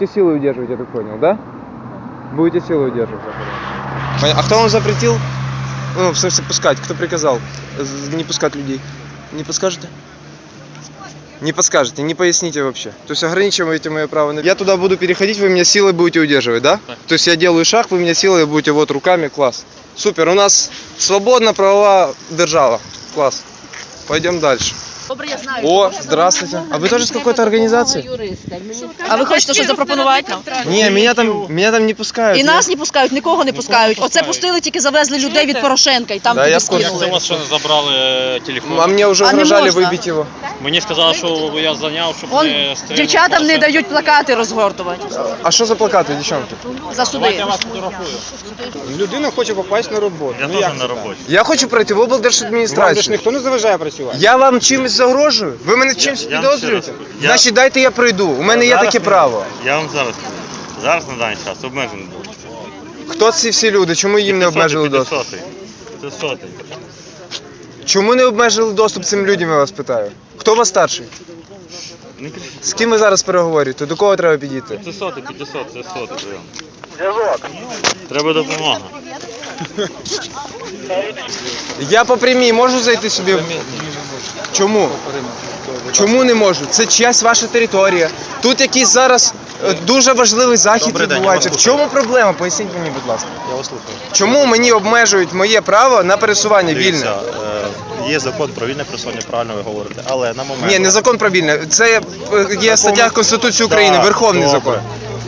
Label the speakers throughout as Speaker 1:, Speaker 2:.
Speaker 1: Силы удерживать, я так понял, да? Будете силы удерживать. А кто вам запретил? Ну, в смысле, пускать? Кто приказал не пускать людей? Не подскажете? Не подскажете, не поясните вообще. То есть ограничиваете мое право. Я туда буду переходить, вы меня силой будете удерживать, да?
Speaker 2: Так.
Speaker 1: То есть я делаю шаг, вы меня силой будете вот руками, класс. Супер, у нас свободна правова держава. Класс. Пойдем дальше. О, здравствуйте. А вы тоже с какой-то организации?
Speaker 3: А ви хочете щось запропонувати нам?
Speaker 1: Не, меня там не пускают.
Speaker 3: І нас не пускають, нікого не пускають. Оце пустили, тільки завезли людей від Порошенка і там
Speaker 1: Да, я
Speaker 3: туди
Speaker 1: в курсі.
Speaker 2: Як це
Speaker 3: скинули.
Speaker 2: у вас ще не забрали телефон?
Speaker 1: А мне уже
Speaker 3: А не
Speaker 1: угрожали
Speaker 3: можно.
Speaker 1: выбить его.
Speaker 2: Мені сказали, що я зайняв, щоб
Speaker 3: Он
Speaker 2: не стріляти.
Speaker 3: дівчатам не дають плакати розгортувати
Speaker 1: А що за плакати, дівчонки?
Speaker 3: за
Speaker 2: Давайте
Speaker 3: суди.
Speaker 2: я вас фотографую.
Speaker 1: Людина хоче попасть на роботу.
Speaker 2: Я теж на роботі.
Speaker 1: Я хочу пройти в
Speaker 4: Вам же ж
Speaker 1: облдержадміністрацію.
Speaker 4: ніхто не заважає працювати.
Speaker 1: Я вам чимось загрожую? Ви мене чимось
Speaker 2: Я вам
Speaker 1: підозрюєте?
Speaker 2: ще раз кажу.
Speaker 1: Значить, дайте я пройду. У мене є таке право.
Speaker 2: Я вам зараз кажу. Зараз на даний час обмежений доступ.
Speaker 1: Хто ці всі люди? Чому їм не обмежили доступ?
Speaker 2: Це сотий.
Speaker 1: Чому не обмежили доступ цим людям, я вас питаю? Хто у вас старший?
Speaker 2: Не кричіть.
Speaker 1: З ким ви зараз переговорюєте? До кого треба підійти?
Speaker 2: Це сотий, 500, це сотий прийом. Треба допомога.
Speaker 1: Я по прямій можу зайти собі? Чому? Чому не можу? Це чиясь ваша територія. Тут якийсь зараз дуже важливий захід
Speaker 5: Добрий день,
Speaker 1: відбувається.
Speaker 5: я
Speaker 1: В
Speaker 5: вас
Speaker 1: чому проблема? Поясніть мені, будь ласка.
Speaker 5: Я вас слухаю.
Speaker 1: Чому мені обмежують моє право на пересування вільне?
Speaker 5: Дивіться, є закон про вільне пересування, правильно ви говорите, але на момент...
Speaker 1: Ні, не закон про вільне. Це є стаття Конституції України,
Speaker 5: Так,
Speaker 1: Верховний
Speaker 5: добре.
Speaker 1: закон.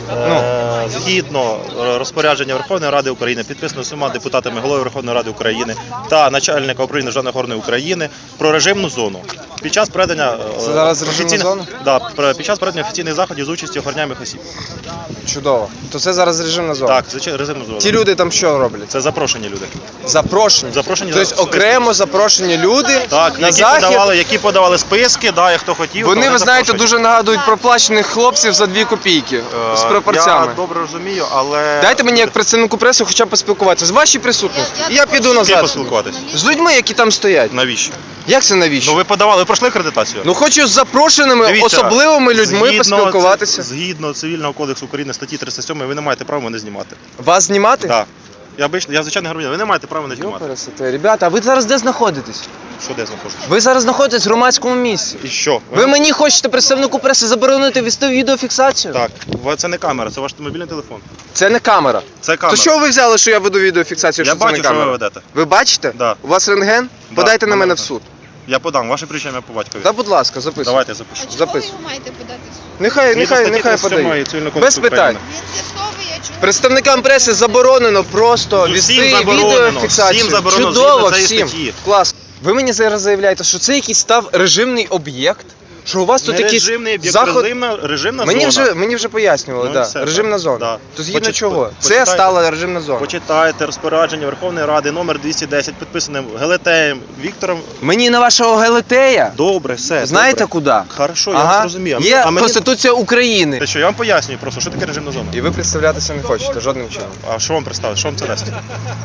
Speaker 5: Згідно розпорядження Верховної Ради України, підписано всіма депутатами Голови Верховної Ради України та начальника управління Державної охорони України про режимну зону. Під час проведення
Speaker 1: Це зараз режимна зона?
Speaker 5: під час проведення офіційних заходів з участі охороняємих осіб.
Speaker 1: Чудово. То це зараз режимна зона.
Speaker 5: Так, звичайно, режимна зона.
Speaker 1: Ті люди там що роблять?
Speaker 5: Це запрошені люди.
Speaker 1: Запрошені.
Speaker 5: Запрошені
Speaker 1: Тобто окремо запрошені люди
Speaker 5: Так,
Speaker 1: на
Speaker 5: які
Speaker 1: захід.
Speaker 5: подавали списки, да, і хто хотів.
Speaker 1: Вони,
Speaker 5: то
Speaker 1: ви знаєте,
Speaker 5: запрошені.
Speaker 1: дуже нагадують проплачених хлопців за 2 копійки з пропорцями.
Speaker 5: Я добре розумію, але...
Speaker 1: Дайте мені як представнику преси хоча б поспілкуватися. З вашій присутності. Я піду
Speaker 5: З ким
Speaker 1: назад.
Speaker 5: поспілкуватись?
Speaker 1: З людьми, які там стоять.
Speaker 5: Навіщо?
Speaker 1: Як це навіщо?
Speaker 5: Ну ви подавали, ви пройшли акредитацію?
Speaker 1: Ну хочу з запрошеними
Speaker 5: Дивіться,
Speaker 1: особливими людьми поспілкуватися.
Speaker 5: Згідно Цивільного кодексу України статті 307, ви не маєте права мене знімати.
Speaker 1: Вас знімати?
Speaker 5: Так. Я звичайний громадянин, ви не маєте права мене знімати.
Speaker 1: Йопересете. Ребята, а ви зараз де знаходитесь?
Speaker 5: Що де знаходиться?
Speaker 1: Ви зараз знаходитесь в громадському місці.
Speaker 5: І що?
Speaker 1: Ви мені хочете, представнику преси, заборонити вести відеофіксацію?
Speaker 5: Так, це не камера, це ваш мобільний телефон.
Speaker 1: Це не камера.
Speaker 5: Це камера.
Speaker 1: То що ви взяли, що я веду відеофіксацію,
Speaker 5: Я
Speaker 1: що це не
Speaker 5: бачу, що
Speaker 1: камера?
Speaker 5: ви ведете.
Speaker 1: Ви бачите?
Speaker 5: Да.
Speaker 1: У вас рентген?
Speaker 5: Да,
Speaker 1: Подайте на
Speaker 5: мене
Speaker 1: мене в
Speaker 5: рентген.
Speaker 1: суд.
Speaker 5: Я подам, ваше прізвище по батькові.
Speaker 1: Да, будь ласка, записуйте.
Speaker 5: Давайте я запишу.
Speaker 1: Записуй.
Speaker 6: Ви маєте подати в суд?
Speaker 1: Нехай подає. Без питань.
Speaker 6: Він з'ясовує, чому
Speaker 1: Представникам преси заборонено просто
Speaker 5: Ну, всім
Speaker 1: вести
Speaker 5: заборонено.
Speaker 1: відеофіксацію.
Speaker 5: Всім заборонено
Speaker 1: Чудово,
Speaker 5: згідно цієї
Speaker 1: всім.
Speaker 5: статті.
Speaker 1: Клас. Ви мені зараз заявляєте, що це якийсь став режимний об'єкт? Що у вас тут
Speaker 5: Не
Speaker 1: якийсь
Speaker 5: режимний об'єкт,
Speaker 1: заход...
Speaker 5: режимна
Speaker 1: Мені
Speaker 5: зона.
Speaker 1: вже пояснювали,
Speaker 5: Ну,
Speaker 1: да.
Speaker 5: все,
Speaker 1: режимна
Speaker 5: так.
Speaker 1: зона.
Speaker 5: Да.
Speaker 1: То згідно чого? Це
Speaker 5: почитайте.
Speaker 1: стала режимна зона.
Speaker 5: Почитайте розпорядження Верховної Ради номер 210, підписаним Гелетеєм Віктором.
Speaker 1: Мені на вашого Гелетея?
Speaker 5: Добре, все.
Speaker 1: Знаєте
Speaker 5: добре.
Speaker 1: куди?
Speaker 5: Хорошо, я вас розумію.
Speaker 1: Є
Speaker 5: А мені...
Speaker 1: Конституція України.
Speaker 5: Те що, я вам пояснюю просто, що таке режимна зона.
Speaker 1: І ви представлятися не хочете жодним чином.
Speaker 5: А що вам представити? Що вам це дасть?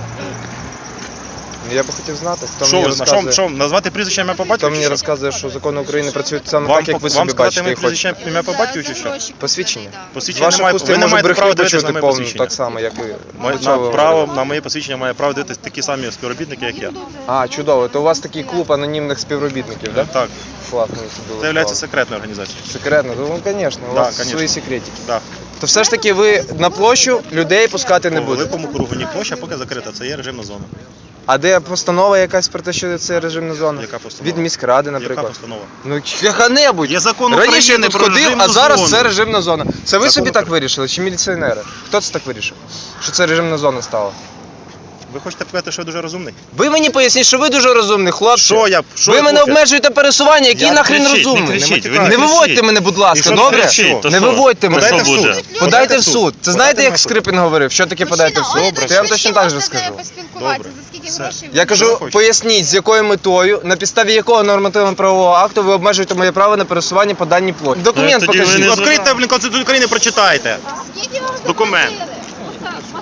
Speaker 1: Я би хотів знати, хто
Speaker 5: Що
Speaker 1: мені
Speaker 5: ви
Speaker 1: розказує.
Speaker 5: що, назвати прізвище ім'я по
Speaker 1: Хто
Speaker 5: батькові?
Speaker 1: мені
Speaker 5: чи що?
Speaker 1: розказує, що закони України працюють саме
Speaker 5: Вам,
Speaker 1: так, як ви
Speaker 5: вам
Speaker 1: собі
Speaker 5: сказати
Speaker 1: бачите
Speaker 5: ім'я
Speaker 1: і
Speaker 5: прізвище
Speaker 1: хочете?
Speaker 5: ім'я по батькові чи що?
Speaker 1: Посвідчення. З
Speaker 5: Посвідчення
Speaker 1: ваших
Speaker 5: немає,
Speaker 1: уст
Speaker 5: ви
Speaker 1: я
Speaker 5: не
Speaker 1: можу
Speaker 5: маєте
Speaker 1: брехню
Speaker 5: права дивитися на
Speaker 1: почути
Speaker 5: моє
Speaker 1: повну,
Speaker 5: посвідчення.
Speaker 1: так само, як і
Speaker 5: На моє посвідчення має право дивитися такі самі співробітники, як я.
Speaker 1: А, чудово. То у вас такий клуб анонімних співробітників, так?
Speaker 5: Так,
Speaker 1: Класно.
Speaker 5: це є секретною організацією.
Speaker 1: Секретно? Ну, звісно, у
Speaker 5: Да,
Speaker 1: вас
Speaker 5: конечно.
Speaker 1: свої секретики.
Speaker 5: Так.
Speaker 1: То все ж таки ви на площу людей пускати не
Speaker 5: По
Speaker 1: будете?
Speaker 5: великому кругу ні площа, поки закрита, це є режимна зона.
Speaker 1: А де постанова якась про те, що це режимна зона?
Speaker 5: Яка постанова?
Speaker 1: Від міськради,
Speaker 5: Яка
Speaker 1: наприклад.
Speaker 5: постанова?
Speaker 1: Ну, яка-небудь.
Speaker 5: Є закон
Speaker 1: Раніше я
Speaker 5: України
Speaker 1: тут
Speaker 5: про
Speaker 1: ходив,
Speaker 5: режимну
Speaker 1: а зараз
Speaker 5: зону.
Speaker 1: це режимна зона. Це ви
Speaker 5: Закон
Speaker 1: собі так
Speaker 5: України.
Speaker 1: вирішили, чи міліціонери? Хто це так вирішив? Що це режимна зона стала?
Speaker 5: Ви хочете показати, що я дуже розумний?
Speaker 1: Ви мені поясніть, що ви дуже розумний, хлопче.
Speaker 5: Що я? Що
Speaker 1: Ви
Speaker 5: я,
Speaker 1: мене
Speaker 5: хлопче?
Speaker 1: обмежуєте пересування, який
Speaker 5: Я-
Speaker 1: нахрен
Speaker 5: кричіть, не
Speaker 1: розумний.
Speaker 5: кричіть, ви
Speaker 1: Не
Speaker 5: не
Speaker 1: виводьте
Speaker 5: кричіть.
Speaker 1: мене, будь
Speaker 5: І
Speaker 1: ласка,
Speaker 5: що
Speaker 1: добре?
Speaker 5: кричіть? То
Speaker 1: Не
Speaker 5: що?
Speaker 1: виводьте мене.
Speaker 5: Подайте в суд.
Speaker 1: Подайте в суд. Це знаєте, як
Speaker 5: в суд.
Speaker 1: Скрипін говорив? Що таке подайте в суд?
Speaker 5: Добре,
Speaker 1: То я вам
Speaker 5: все.
Speaker 1: точно так же скажу.
Speaker 6: поспілкуватися,
Speaker 5: Добре.
Speaker 6: за скільки
Speaker 5: Все.
Speaker 6: грошей
Speaker 1: Я
Speaker 6: ви
Speaker 1: кажу,
Speaker 5: хочете?
Speaker 1: поясніть, з якою метою, на підставі якого нормативно-правового акту ви обмежуєте моє право на пересування по даній площі. Документ
Speaker 5: Тоді ви
Speaker 1: покажіть.
Speaker 5: не Відкрийте, Конституцію України, прочитайте.
Speaker 6: Скільки вам
Speaker 5: Документ.
Speaker 6: заплатили?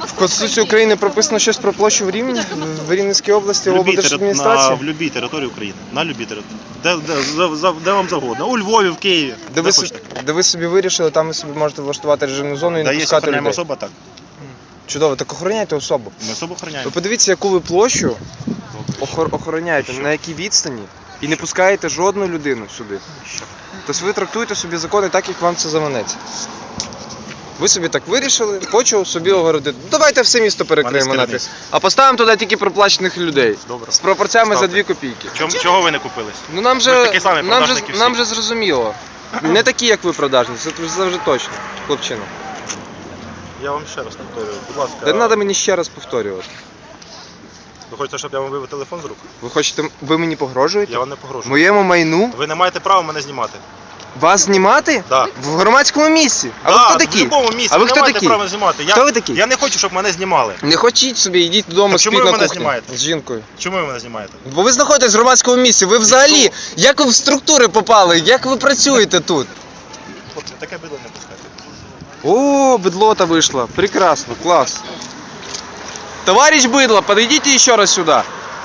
Speaker 1: В Конституції України прописано щось про площу в Рівні, в Рівненській області, в облдержадміністрації.
Speaker 5: В любій території України. На любій території. Де вам завгодно. У Львові, в Києві.
Speaker 1: Де ви собі вирішили, там ви собі можете влаштувати режимну зону і
Speaker 5: Де
Speaker 1: не
Speaker 5: є
Speaker 1: пускати
Speaker 5: охороняема
Speaker 1: людей.
Speaker 5: особа, так.
Speaker 1: Чудово, так охороняйте особу.
Speaker 5: Ми особу охороняємо.
Speaker 1: Ви подивіться, яку ви площу охороняєте, на якій відстані, і не пускаєте жодну людину сюди. Тобто ви трактуєте собі закони так, як вам це заманеться. Ви собі так вирішили, хочу собі огородити. Давайте все місто перекриємо на
Speaker 5: керівництво.
Speaker 1: а поставимо туди тільки проплачених людей.
Speaker 5: Добре.
Speaker 1: З пропорціями за
Speaker 5: Ставте.
Speaker 1: 2 копійки.
Speaker 5: Чого ви не купились?
Speaker 1: Ну нам
Speaker 5: Ми ж
Speaker 1: же,
Speaker 5: такі самі продажники
Speaker 1: нам
Speaker 5: всі.
Speaker 1: же зрозуміло. Не такі, як ви продажні, це завжди точно, хлопчина.
Speaker 5: Я вам ще раз повторюю. Будь ласка,
Speaker 1: Не треба мені ще раз повторювати.
Speaker 5: ви хочете, щоб я вам вивів телефон з рук?
Speaker 1: Ви мені погрожуєте?
Speaker 5: Я вам не погрожую.
Speaker 1: Моєму майну?
Speaker 5: Ви не маєте права мене знімати.
Speaker 1: Вас знімати?
Speaker 5: Так.
Speaker 1: В громадському місці? А ви
Speaker 5: Да,
Speaker 1: хто
Speaker 5: в
Speaker 1: такі?
Speaker 5: будь-якому місці.
Speaker 1: А ви
Speaker 5: не
Speaker 1: хто
Speaker 5: маєте
Speaker 1: такі?
Speaker 5: права знімати.
Speaker 1: Хто ви такі?
Speaker 5: Я не хочу, щоб мене знімали.
Speaker 1: Не хочіть собі, йдіть додому,
Speaker 5: Так чому
Speaker 1: спіть
Speaker 5: ви
Speaker 1: на
Speaker 5: мене
Speaker 1: кухні
Speaker 5: знімаєте?
Speaker 1: з жінкою.
Speaker 5: Чому ви мене знімаєте?
Speaker 1: Бо ви знаходитесь в громадському місці, ви взагалі, як ви в структури попали, як ви працюєте тут?
Speaker 5: Хлопці, таке бидло не пускайте.
Speaker 1: О, быдло-то вышло. Прекрасно, класс. Товарищ быдло, подойдите еще раз сюда.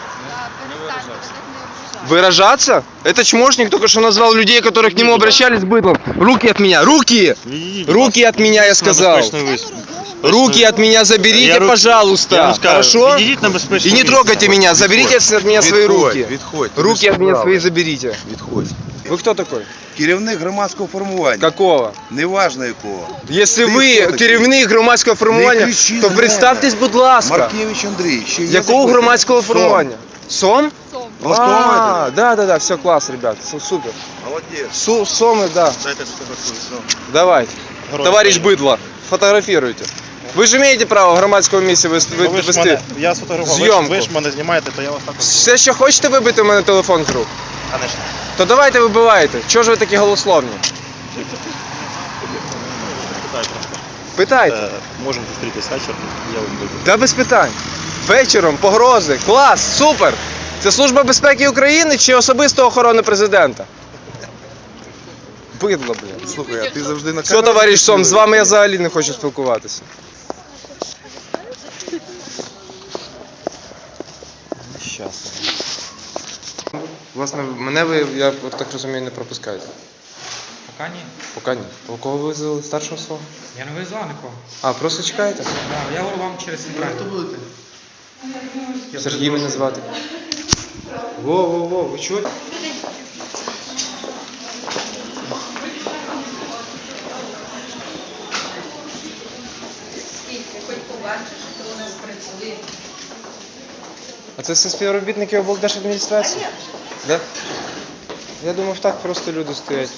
Speaker 1: Выражаться? Это чмошник только что назвал людей, которые к нему обращались быдлом. Руки от меня, руки! Руки от меня, я сказал. Руки от меня заберите, пожалуйста. Хорошо? И не трогайте меня, заберите от меня свои руки.
Speaker 4: Відходь.
Speaker 1: Руки от меня свои заберите.
Speaker 4: Відходь.
Speaker 1: Вы кто такой?
Speaker 4: Керівник громадського формування.
Speaker 1: Какого?
Speaker 4: Неважно якого.
Speaker 1: Якщо
Speaker 4: Ти
Speaker 1: ви
Speaker 4: хто такий?
Speaker 1: керівник громадського
Speaker 4: Не
Speaker 1: формування,
Speaker 4: кричи
Speaker 1: то
Speaker 4: на
Speaker 1: представтесь, будь ласка.
Speaker 4: Маркевич Андрій. Ще є
Speaker 1: Якого
Speaker 4: запитання?
Speaker 1: громадського
Speaker 4: Сом.
Speaker 1: формування? Сом?
Speaker 4: Влаштовуєте?
Speaker 1: Да, все класс, ребят, супер.
Speaker 4: Молодець.
Speaker 1: Соми, да,
Speaker 5: Дайте сфотографую.
Speaker 1: давайте. Товарищ Быдло, фотографируйте. Ви ж маєте право в громадському місці вести.
Speaker 5: Я сфотографував.
Speaker 1: Зйомку.
Speaker 5: Ви ж мене знімаєте, то я вас також.
Speaker 1: Все, що хочете вибити у мене телефон з рук,
Speaker 5: Конечно.
Speaker 1: то давайте вибивайте. Чого ж ви такі голословні? Питайте.
Speaker 5: Можемо зустрітись вечором, я вам виберу.
Speaker 1: Да без питань. Вечором, погрози, клас, супер. Це Служба безпеки України чи особиста охорона президента? Бидло, блін.
Speaker 4: Слухай, а ти завжди на
Speaker 1: Все, товариш Сом, з вами я взагалі не хочу спілкуватися. Щас. Власне, мене ви, я так розумію, не пропускаєте.
Speaker 7: Пока ні.
Speaker 1: Поки ні. У кого ви визвали старшого свого?
Speaker 7: Я не визвав нікого.
Speaker 1: А, просто чекаєте?
Speaker 7: Да, я говорю вам через інтернет. Хто будете?
Speaker 1: Сергій мене звати. Во, ви чуєте? А це все співробітники облдержадміністрації? Да? Я думав, так просто люди стоять.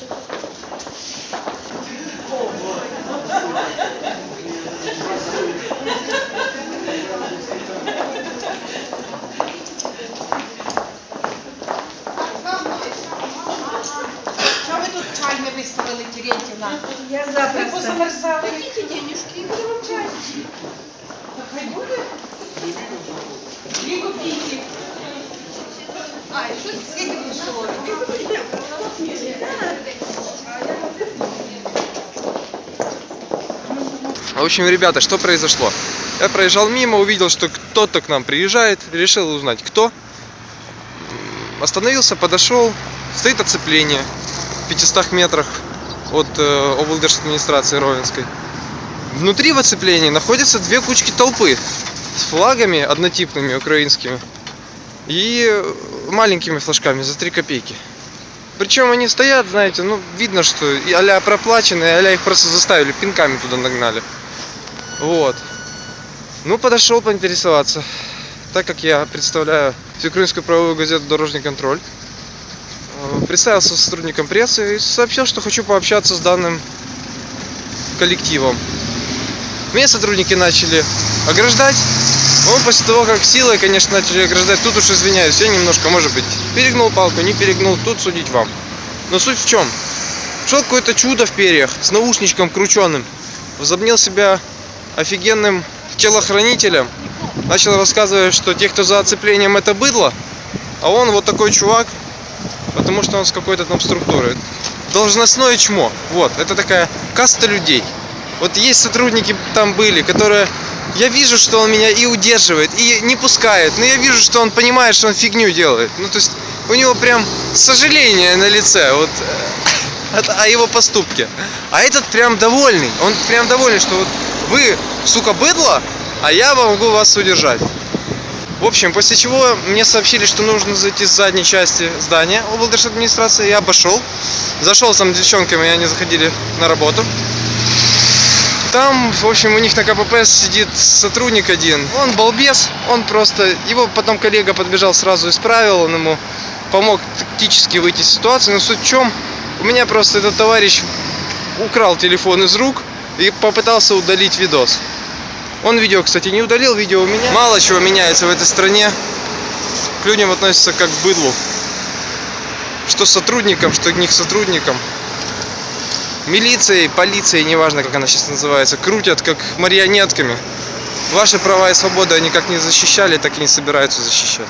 Speaker 8: Чого ви тут чай не виставили, Терентівна? Я завтра. Ви позамерзали. Які денежки? Я буду вам чай. Та хай буде. 2 копійки. А, і що скільки коштувало? 2 копійки.
Speaker 1: В общем, ребята, что произошло? Я проезжал мимо, увидел, что кто-то к нам приезжает, решил узнать, кто. Остановился, подошел, стоит оцепление в 500 метрах от облдержадминистрации Ровенской. Внутри в оцеплении находятся 2 кучки толпы с флагами однотипными украинскими и маленькими флажками за 3 копейки. Причем они стоят, знаете, ну видно, что а-ля проплаченные, а-ля их просто заставили, пинками туда нагнали. Вот. Ну, подошел поинтересоваться. Так как я представляю Всеукраинскую правовую газету «Дорожный контроль», представился сотрудником прессы и сообщил, что хочу пообщаться с данным коллективом. Меня сотрудники начали ограждать. Он после того, как силой, конечно, начали ограждать, тут уж извиняюсь, я немножко, может быть, перегнул палку, не перегнул, тут судить вам. Но суть в чем? Шел какое-то чудо в перьях с наушничком крученым, возомнил себя офигенным телохранителем, начал рассказывать, что те, кто за оцеплением, это быдло, а он вот такой чувак, потому что он с какой-то там структуры. Должностное чмо. Вот, это такая каста людей. Вот есть сотрудники там были, которые Я вижу, что он меня и удерживает, и не пускает. Но я вижу, что он понимает, что он фигню делает. Ну, то есть, у него прям сожаление на лице вот, о его поступке. А этот прям довольный. Он прям довольный, что вот вы, сука, быдло, а я могу вас удержать. В общем, после чего мне сообщили, что нужно зайти с задней части здания облдержадминистрации. Я обошел. Зашел там с девчонками, они заходили на работу. Там, в общем, у них на КПП сидит сотрудник один. Он балбес, он просто... Его потом коллега подбежал, сразу исправил, он ему помог тактически выйти из ситуации. Но суть в чем? У меня просто этот товарищ украл телефон из рук и попытался удалить видос. Он видео, кстати, не удалил, видео у меня. Мало чего меняется в этой стране. К людям относятся как к быдлу. Что сотрудникам, что не к сотрудникам. Милицией, полицией, неважно как она сейчас называется, крутят как марионетками. Ваши права и свободы они как не защищали, так и не собираются защищать.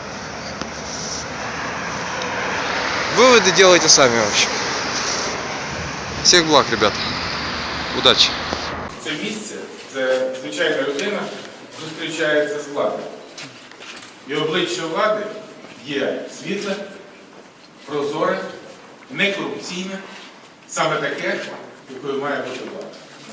Speaker 1: Выводы делайте сами вообще. Всех благ, ребят. Удачи.
Speaker 9: Це місце, це звичайна людина зустрічається з владою. І обличчя влади є світле, прозоре, некорупційне, саме таке, якою має бути влада.